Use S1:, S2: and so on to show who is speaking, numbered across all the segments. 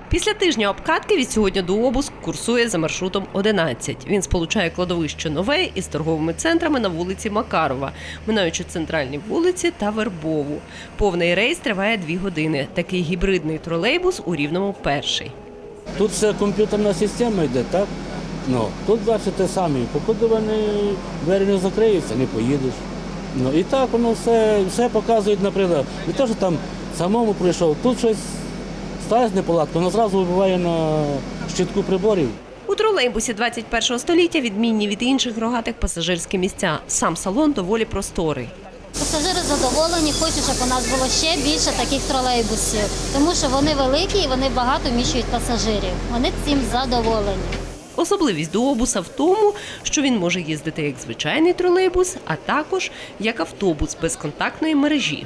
S1: Після тижня обкатки від сьогодні дуобус курсує за маршрутом 11. Він сполучає кладовище Нове із торговими центрами на вулиці Макарова, минаючи центральні вулиці та Вербову. Повний рейс триває 2 години. Такий гібридний тролейбус у Рівному перший.
S2: Тут все комп'ютерна система йде, так? Тут бачите самі, поки вони двері не закриються, не поїдеш. І так воно все показує, наприклад, не те, що там самому прийшов, тут щось сталося неполадка, воно одразу вибиває на щитку приборів.
S1: У тролейбусі 21-го століття відмінні від інших рогатих пасажирські місця. Сам салон доволі просторий.
S3: Пасажири задоволені, хочуть, щоб у нас було ще більше таких тролейбусів, тому що вони великі і вони багато вміщують пасажирів. Вони цим задоволені.
S1: Особливість дуобуса в тому, що він може їздити як звичайний тролейбус, а також як автобус безконтактної мережі.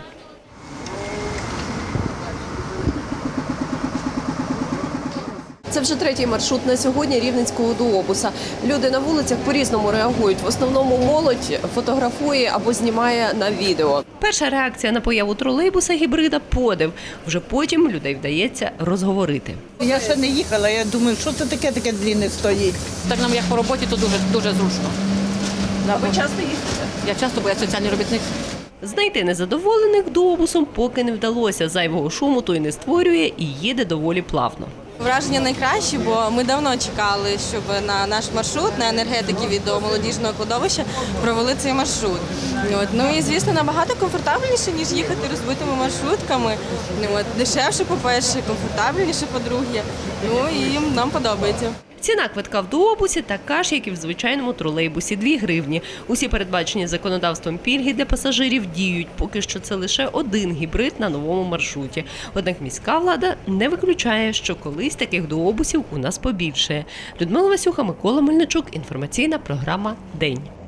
S1: Це вже 3-й маршрут на сьогодні рівненського дуобуса. Люди на вулицях по-різному реагують. В основному молодь фотографує або знімає на відео. Перша реакція на появу тролейбуса гібрида – подив. Вже потім людей вдається розговорити.
S4: Я ще не їхала, я думаю, що це таке длинне стоїть.
S5: Так нам як по роботі, то дуже зручно.
S1: Ви часто їздите?
S5: Я часто, бо я соціальний робітник.
S1: Знайти незадоволених дуобусом поки не вдалося. Зайвого шуму той не створює і їде доволі плавно.
S6: Враження найкращі, бо ми давно чекали, щоб на наш маршрут, на енергетики від молодіжного кладовища провели цей маршрут. І, звісно, набагато комфортабельніше, ніж їхати розбитими маршрутками. Дешевше, по-перше, комфортабельніше, по-друге. І нам подобається.
S1: Ціна квитка в дуобусі така ж, як і в звичайному тролейбусі – 2 гривні. Усі передбачені законодавством пільги для пасажирів діють. Поки що це лише один гібрид на новому маршруті. Однак міська влада не виключає, що колись таких дуобусів у нас побільшає. Людмила Васюха, Микола Мельничук. Інформаційна програма «День».